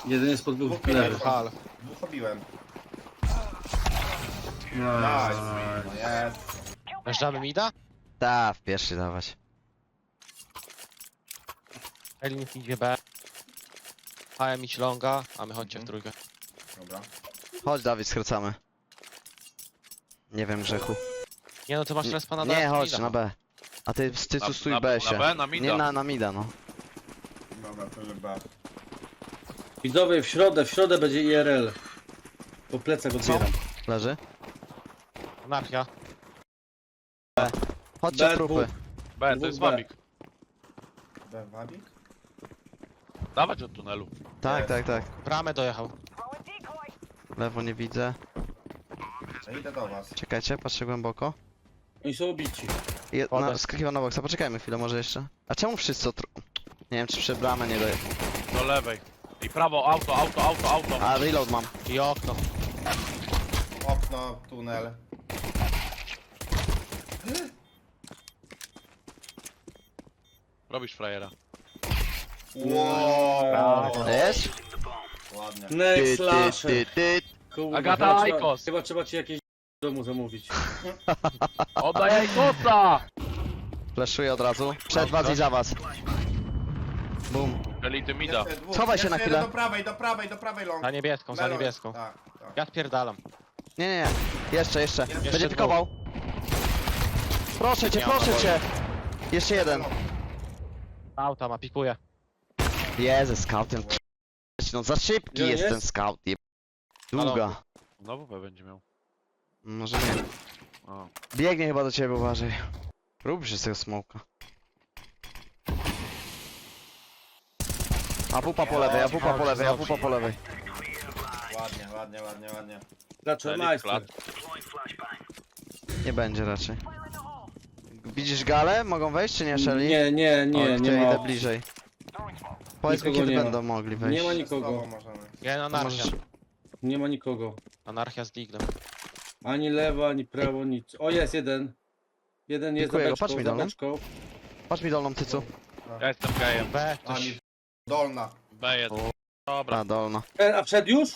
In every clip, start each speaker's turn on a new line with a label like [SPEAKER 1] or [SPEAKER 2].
[SPEAKER 1] Jeden jest pod dwóch
[SPEAKER 2] Dwóch minut.
[SPEAKER 1] lewy.
[SPEAKER 3] Hal.
[SPEAKER 2] Dwóch obiłem.
[SPEAKER 1] No.
[SPEAKER 2] Nice. No jest.
[SPEAKER 3] Wjeżdżamy mida?
[SPEAKER 4] Ta, w pierwszy dawać.
[SPEAKER 3] Elin idzie B. HM idź longa, a my chodźcie w trójkę.
[SPEAKER 2] Dobra.
[SPEAKER 4] Chodź Dawid, skracamy. Nie wiem grzechu.
[SPEAKER 3] Nie no, ty masz respa na
[SPEAKER 4] Nie,
[SPEAKER 3] dole,
[SPEAKER 4] chodź
[SPEAKER 3] mida.
[SPEAKER 4] na B. A ty tu stój
[SPEAKER 5] na
[SPEAKER 4] B się.
[SPEAKER 5] B, na mida.
[SPEAKER 4] Nie na mida, no.
[SPEAKER 2] Dobra, to chyba.
[SPEAKER 1] Widzowie, w środę będzie IRL. Po plecach odbieram.
[SPEAKER 4] Leży.
[SPEAKER 3] Anarchia.
[SPEAKER 4] Chodźcie
[SPEAKER 1] B,
[SPEAKER 4] w trupy.
[SPEAKER 5] B, to
[SPEAKER 1] Dwóch
[SPEAKER 5] jest
[SPEAKER 1] B.
[SPEAKER 5] wabik.
[SPEAKER 2] Wabik?
[SPEAKER 5] Dawać od tunelu.
[SPEAKER 4] Tak, tak, tak.
[SPEAKER 3] Bramę dojechał.
[SPEAKER 4] Lewo nie widzę.
[SPEAKER 2] To idę do was.
[SPEAKER 4] Czekajcie, patrzę głęboko.
[SPEAKER 1] Oni są obici.
[SPEAKER 3] Wodę.
[SPEAKER 4] Skakiwał na boksa, poczekajmy chwilę może jeszcze. A czemu wszyscy Nie wiem czy przy bramę nie doje...
[SPEAKER 5] Do lewej. I prawo, auto.
[SPEAKER 4] A reload mam.
[SPEAKER 3] I okno.
[SPEAKER 2] Okno, tunel.
[SPEAKER 5] Robisz frajera.
[SPEAKER 2] Wow.
[SPEAKER 4] Jest?
[SPEAKER 2] Ładnie.
[SPEAKER 1] Next slasher. Kurwa,
[SPEAKER 5] Agata
[SPEAKER 1] chyba trzeba-
[SPEAKER 5] Aikos.
[SPEAKER 1] Chyba trzeba ci jakieś w domu zamówić.
[SPEAKER 5] Oddaj Ajkosa!
[SPEAKER 4] Flashuję od razu. Przed was i za was. Bum.
[SPEAKER 5] Elity mida.
[SPEAKER 2] Jeszcze dwóch.
[SPEAKER 4] Schowaj się
[SPEAKER 2] Jeszcze
[SPEAKER 4] na
[SPEAKER 2] jeden
[SPEAKER 4] chwilę.
[SPEAKER 2] do prawej long.
[SPEAKER 3] Za niebieską, za
[SPEAKER 2] Melon.
[SPEAKER 3] niebieską.
[SPEAKER 2] Tak, tak.
[SPEAKER 3] Ja spierdalam.
[SPEAKER 4] Nie. Jeszcze. Będzie
[SPEAKER 3] dwóch.
[SPEAKER 4] pikował. Proszę cię,
[SPEAKER 3] Nie ma
[SPEAKER 4] proszę
[SPEAKER 3] naboju.
[SPEAKER 4] cię. Jeszcze jeden.
[SPEAKER 3] Auta ma, pikuje.
[SPEAKER 4] Jezu, scoutem. No za szybki
[SPEAKER 1] Gdzie
[SPEAKER 4] jest
[SPEAKER 1] jest?
[SPEAKER 4] ten scout. Długa.
[SPEAKER 5] Znowu B będzie miał.
[SPEAKER 4] Może nie.
[SPEAKER 5] O.
[SPEAKER 4] Biegnie chyba do ciebie, uważaj. Rób się z tego smoka. A pupa po lewej, a pupa po lewej, a pupa po lewej.
[SPEAKER 2] Ładnie.
[SPEAKER 1] Dlaczego
[SPEAKER 5] Elite
[SPEAKER 1] majster?
[SPEAKER 4] Nie będzie raczej. Widzisz galę? Mogą wejść czy nie, Shelly?
[SPEAKER 1] Nie
[SPEAKER 4] O, to ja
[SPEAKER 1] ma.
[SPEAKER 4] idę bliżej. Powiedz mi
[SPEAKER 1] Nikogo
[SPEAKER 4] kiedy
[SPEAKER 1] nie ma.
[SPEAKER 4] będą mogli wejść.
[SPEAKER 1] Nie ma
[SPEAKER 2] Nikogo
[SPEAKER 1] nikogo.
[SPEAKER 2] możemy.
[SPEAKER 3] Jeden
[SPEAKER 4] To
[SPEAKER 3] anarchia.
[SPEAKER 4] możesz...
[SPEAKER 1] Nie ma nikogo.
[SPEAKER 3] Anarchia z diglem.
[SPEAKER 1] Ani lewo, ani prawo, nic. O, jest jeden. Jeden jest za
[SPEAKER 4] Dziękuję,
[SPEAKER 1] beczką,
[SPEAKER 4] patrz mi
[SPEAKER 1] za
[SPEAKER 4] dolny.
[SPEAKER 1] beczką.
[SPEAKER 4] Patrz mi dolną tycu.
[SPEAKER 5] Ja jestem gejem.
[SPEAKER 3] B,
[SPEAKER 2] Ani
[SPEAKER 3] ktoś...
[SPEAKER 2] dolna.
[SPEAKER 5] B1. Dobra.
[SPEAKER 4] A, dolna.
[SPEAKER 1] A przed już?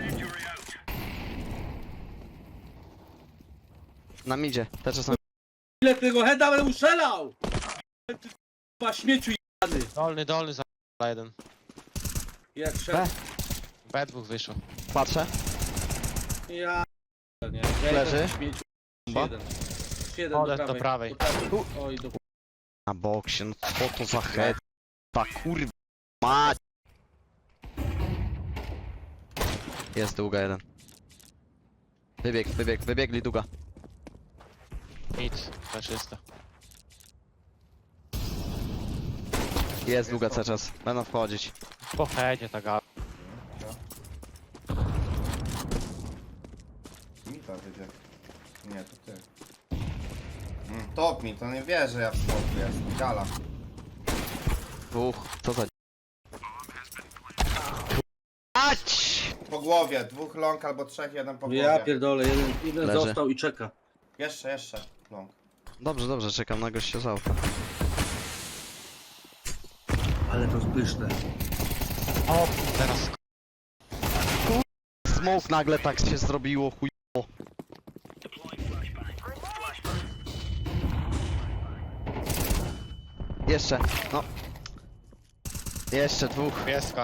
[SPEAKER 4] Na midzie. Te czasem.
[SPEAKER 1] Ile tego heada będę ustrzelał? Ty k***a śmieciu jebany.
[SPEAKER 3] Dolny za jeden.
[SPEAKER 1] Jest
[SPEAKER 4] B.
[SPEAKER 1] szedł.
[SPEAKER 3] B dwóch wyszło.
[SPEAKER 4] Patrzę.
[SPEAKER 1] Ja... Nie.
[SPEAKER 4] Leży.
[SPEAKER 1] Śmieciu.
[SPEAKER 4] Bomba.
[SPEAKER 1] Jeden
[SPEAKER 3] Odeszł do prawej.
[SPEAKER 1] Oj, do...
[SPEAKER 4] Na boksie, no co to za head? Ta kurwa mać. Jest długa jeden. Wybiegli długa.
[SPEAKER 3] Nic, faszysta.
[SPEAKER 4] Jest długa cały czas. Będą wchodzić.
[SPEAKER 3] Po headzie ta gala.
[SPEAKER 2] Mi to wyjdzie. Nie, to ty. Top mi, to nie wie, że ja w smoku jest. Gala.
[SPEAKER 4] Dwóch. Co za... Ać!
[SPEAKER 2] Po głowie, dwóch long albo trzech, jeden po głowie.
[SPEAKER 1] Ja pierdolę, jeden
[SPEAKER 4] Leży.
[SPEAKER 1] został i czeka.
[SPEAKER 2] Jeszcze long.
[SPEAKER 4] Dobrze, czekam na gościa z auta.
[SPEAKER 1] Ale to pyszne.
[SPEAKER 3] O, teraz
[SPEAKER 4] Smoke nagle tak się zrobiło, chujowo. Jeszcze, no. Jeszcze dwóch.
[SPEAKER 3] pieska.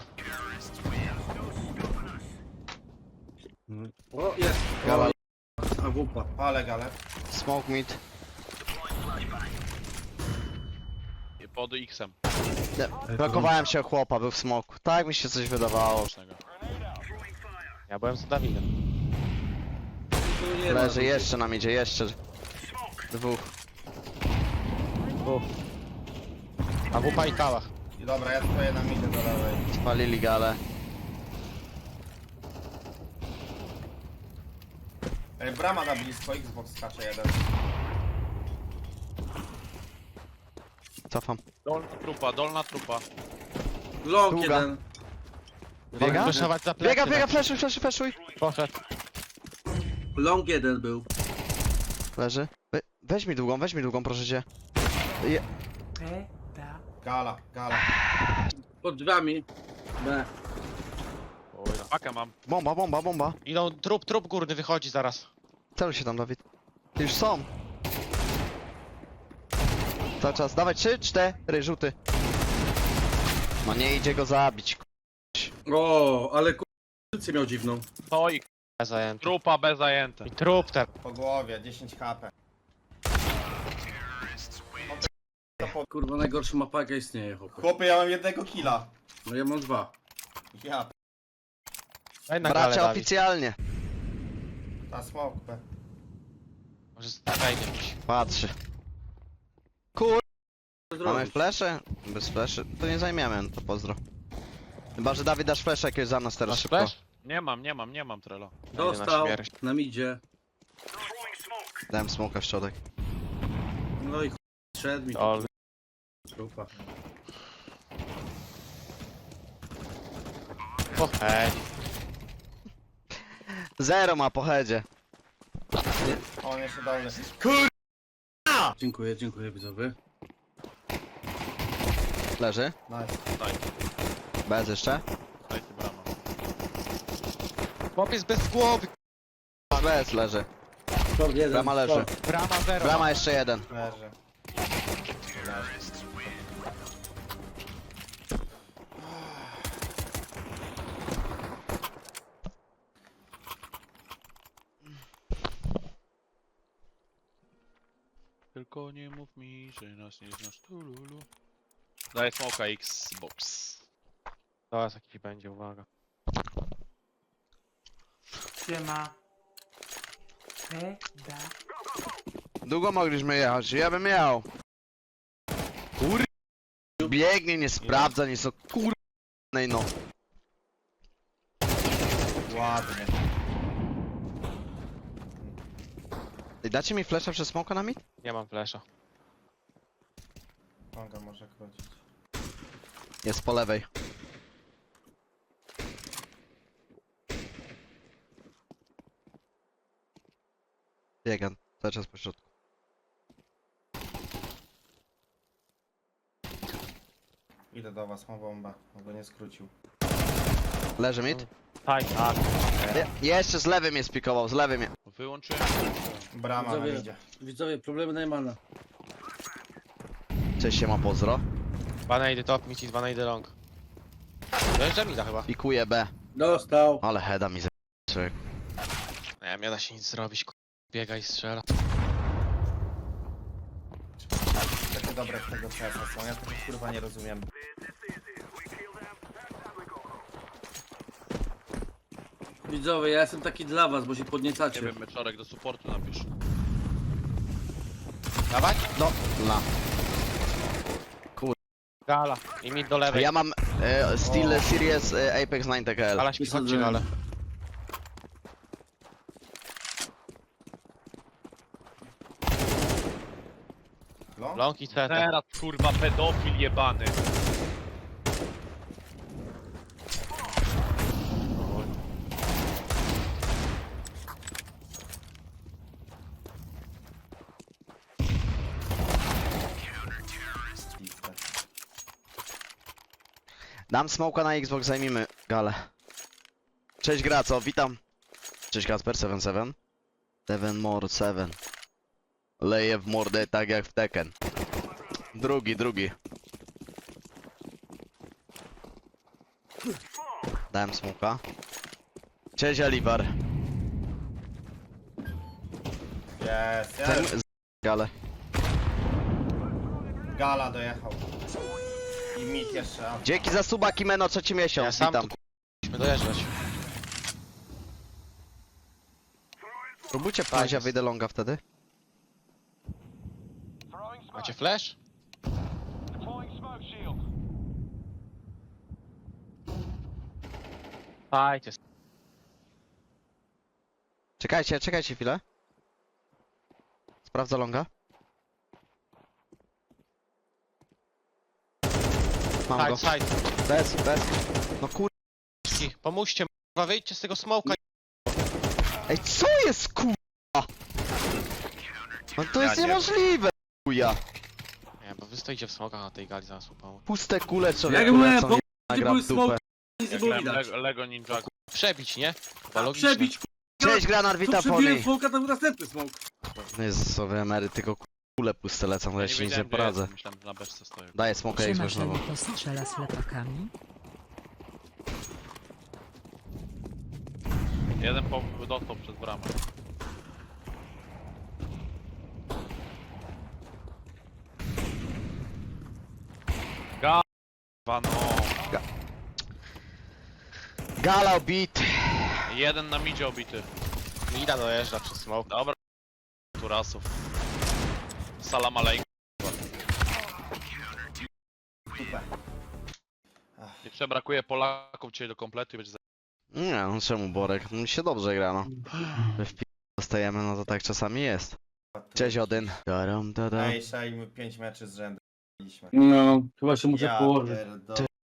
[SPEAKER 1] O, jest.
[SPEAKER 4] Gala.
[SPEAKER 1] A wupa.
[SPEAKER 2] Ale gale.
[SPEAKER 4] Smoke mid.
[SPEAKER 5] I pod X-em.
[SPEAKER 4] Blokowałem się o chłopa, był w smoku. Tak mi się coś wydawało.
[SPEAKER 3] Ja byłem za Dawidem.
[SPEAKER 1] Tu nie ma.
[SPEAKER 4] Leży jeszcze nam idzie, jeszcze. Dwóch.
[SPEAKER 3] A wupa i kałach.
[SPEAKER 2] I dobra, ja stoję na midzie do lewej.
[SPEAKER 4] Spalili galę.
[SPEAKER 2] Ej, brama na blisko, Xbox skacze jeden.
[SPEAKER 4] Cofam.
[SPEAKER 5] Dolna trupa.
[SPEAKER 1] Long
[SPEAKER 4] Długa.
[SPEAKER 1] jeden.
[SPEAKER 4] Biega?
[SPEAKER 3] Wyszować za plecy.
[SPEAKER 4] Biega, flashuj.
[SPEAKER 3] Poszedł.
[SPEAKER 1] Long jeden był.
[SPEAKER 4] Leży. Weź mi długą, proszę cię.
[SPEAKER 2] Gala.
[SPEAKER 1] Pod drzwiami. B.
[SPEAKER 5] Pakę mam.
[SPEAKER 4] Bomba, bomba, bomba.
[SPEAKER 3] Idą, trup górny wychodzi zaraz.
[SPEAKER 4] Celuj się tam, Dawid. Już są. Cały czas, dawaj 3, 4, rzuty. No nie idzie go zabić.
[SPEAKER 1] O, ale pozycję miał dziwną.
[SPEAKER 5] To i
[SPEAKER 3] Zajęty.
[SPEAKER 5] trupa B zajęte.
[SPEAKER 3] I trup ten.
[SPEAKER 2] Po głowie, 10 HP.
[SPEAKER 1] Kurwa, najgorsza mapa jaka istnieje, chłopie.
[SPEAKER 2] Chłopie, ja mam jednego killa.
[SPEAKER 1] No ja mam 2.
[SPEAKER 2] Ja,
[SPEAKER 3] Daj na galę,
[SPEAKER 4] Bracia
[SPEAKER 3] Dawid.
[SPEAKER 4] oficjalnie.
[SPEAKER 2] ta smoke B.
[SPEAKER 3] Może wejdzie gdzieś.
[SPEAKER 4] Patrzy. Mamy flesze? Bez fleszy? To nie zajmiemy, no to pozdro. Chyba, że Dawid dasz flesze jakiegoś za nas teraz
[SPEAKER 3] Masz
[SPEAKER 4] szybko.
[SPEAKER 3] flash?
[SPEAKER 5] Nie mam Trello.
[SPEAKER 1] Dostał,
[SPEAKER 3] na śmierć.
[SPEAKER 1] na midzie.
[SPEAKER 4] Dałem smoka w środek.
[SPEAKER 1] No i szedł mi
[SPEAKER 3] Ol.
[SPEAKER 1] trupa.
[SPEAKER 3] O, hej.
[SPEAKER 4] Zero ma po headzie.
[SPEAKER 2] On jeszcze dolny.
[SPEAKER 1] Dziękuję widzowie.
[SPEAKER 4] Leży.
[SPEAKER 2] Nice.
[SPEAKER 4] Bez jeszcze.
[SPEAKER 5] Dajcie bramę.
[SPEAKER 3] Chłopiec bez głowy.
[SPEAKER 4] Bez leży.
[SPEAKER 1] Short jeden.
[SPEAKER 4] Brama leży.
[SPEAKER 1] short.
[SPEAKER 3] Brama zero.
[SPEAKER 4] Brama jeszcze jeden.
[SPEAKER 2] Leży.
[SPEAKER 5] Tylko nie mów mi, że nas nie znasz tululu. Daję smoka Xbox.
[SPEAKER 3] Zaraz jakiś będzie, uwaga.
[SPEAKER 6] Siema. Da.
[SPEAKER 4] Długo mogliśmy jechać, ja bym jechał. Kur... Biegnie, nie sprawdza, nie są kur... no.
[SPEAKER 2] Ładnie.
[SPEAKER 4] I dacie mi flasha przez smoka na mid?
[SPEAKER 3] Nie mam flasha.
[SPEAKER 2] Konga może krócić.
[SPEAKER 4] Jest po lewej. Biegam, cały czas po środku.
[SPEAKER 2] Idę do was, mam bombę. On go nie skrócił.
[SPEAKER 4] Leży mid?
[SPEAKER 3] Tak.
[SPEAKER 4] Jeszcze z lewym mnie spikował, z lewym mnie.
[SPEAKER 5] Wyłączyłem.
[SPEAKER 2] Brama na
[SPEAKER 1] Widzowie,
[SPEAKER 2] idzie.
[SPEAKER 1] widzowie, problemy Najmana.
[SPEAKER 4] Cześć się ma pozdro.
[SPEAKER 3] 2 nade top, mid i 2 nade long. Dojeżdża mida chyba.
[SPEAKER 4] Pikuje B.
[SPEAKER 1] Dostał.
[SPEAKER 4] Ale heada mi człowiek.
[SPEAKER 3] Nie da się nic zrobić, biega i strzela.
[SPEAKER 2] Takie dobre z tego CS są, ja tego kurwa nie rozumiem.
[SPEAKER 1] Widzowie, ja jestem taki dla was, bo się
[SPEAKER 5] Nie
[SPEAKER 1] podniecacie.
[SPEAKER 5] wiem, meczorek do supportu napisz.
[SPEAKER 3] Dawać?
[SPEAKER 4] No, la.
[SPEAKER 3] Gala. I mid do lewej.
[SPEAKER 4] Ja mam Steel Series Apex 9 TKL.
[SPEAKER 3] Gala śpi, chodźcie
[SPEAKER 1] Wysadzę.
[SPEAKER 3] gale.
[SPEAKER 2] Long?
[SPEAKER 3] Long i CT.
[SPEAKER 5] Teraz kurwa pedofil jebany.
[SPEAKER 2] Piste.
[SPEAKER 4] Dam smoka na Xbox, zajmijmy galę. Cześć Graco, witam. Cześć Kasper, 77. 7 more 7. Leję w mordę tak jak w Tekken. Drugi. Dałem smoka. Cześć Alibar.
[SPEAKER 2] Jest,
[SPEAKER 4] Zajm...
[SPEAKER 2] jest.
[SPEAKER 4] Galę.
[SPEAKER 2] Gala dojechał. I mit jeszcze. A.
[SPEAKER 4] Dzięki za suba Kimeno, trzeci
[SPEAKER 3] Ja
[SPEAKER 4] miesiąc,
[SPEAKER 3] sam
[SPEAKER 4] witam.
[SPEAKER 3] tu musimy dojeżdżać.
[SPEAKER 4] Próbujcie pchać, ja
[SPEAKER 3] jest.
[SPEAKER 4] wyjdę longa wtedy.
[SPEAKER 3] Macie flash? Fajcie.
[SPEAKER 4] Czekajcie chwilę. Sprawdza longa. Mam go.
[SPEAKER 3] Side.
[SPEAKER 4] Bez. No kur...
[SPEAKER 3] Pomóżcie, kurwa, wyjdźcie z tego smoka.
[SPEAKER 4] Ej, co jest kurwa? No to jest
[SPEAKER 5] Ja nie-
[SPEAKER 4] niemożliwe, chuja.
[SPEAKER 3] Nie, bo wy stoicie w smokach na tej gali zaraz upał.
[SPEAKER 4] Puste kule człowieku
[SPEAKER 1] Jak byłem,
[SPEAKER 4] lecą,
[SPEAKER 1] bo
[SPEAKER 4] nagra
[SPEAKER 1] były
[SPEAKER 4] w dupę.
[SPEAKER 1] smoki, nic nie
[SPEAKER 5] Jak
[SPEAKER 1] było
[SPEAKER 5] grałem
[SPEAKER 1] widać.
[SPEAKER 5] Lego Ninja.
[SPEAKER 3] Przebić, nie? Chyba
[SPEAKER 1] A
[SPEAKER 3] logiczne.
[SPEAKER 1] przebić,
[SPEAKER 4] Cześć Granat,
[SPEAKER 1] tu
[SPEAKER 4] witam
[SPEAKER 1] przebiłem
[SPEAKER 4] pony.
[SPEAKER 1] smoka, tam następny smok.
[SPEAKER 4] No jest sobie emery, tylko kule puste lecą, to ja się nic nie
[SPEAKER 5] wiedziałem, gdzie
[SPEAKER 4] poradzę.
[SPEAKER 5] jestem, myślałem, że na beczce stoję.
[SPEAKER 4] Daję smoka
[SPEAKER 6] Siema,
[SPEAKER 4] Xbox znowu.
[SPEAKER 6] Shelly, to strzela z lepakami.
[SPEAKER 5] Jeden dostał przez bramę. Wano.
[SPEAKER 4] Gala obit.
[SPEAKER 5] Jeden na midzie obity.
[SPEAKER 3] Mida dojeżdża przez smoke.
[SPEAKER 5] Dobra. Turasów. Salam alejkum.
[SPEAKER 2] Super.
[SPEAKER 5] Jeszcze brakuje Polaków dzisiaj do kompletu i będzie za...
[SPEAKER 4] Nie no czemu Borek? Mi się dobrze gra no. Że w dostajemy, no to tak czasami jest. Cześć Odyn. Daram, dadam.
[SPEAKER 2] Ej, Shai, my 5 meczy z rzędu mieliśmy.
[SPEAKER 1] No, chyba się muszę
[SPEAKER 2] Ja
[SPEAKER 1] położyć.
[SPEAKER 2] pierdolę.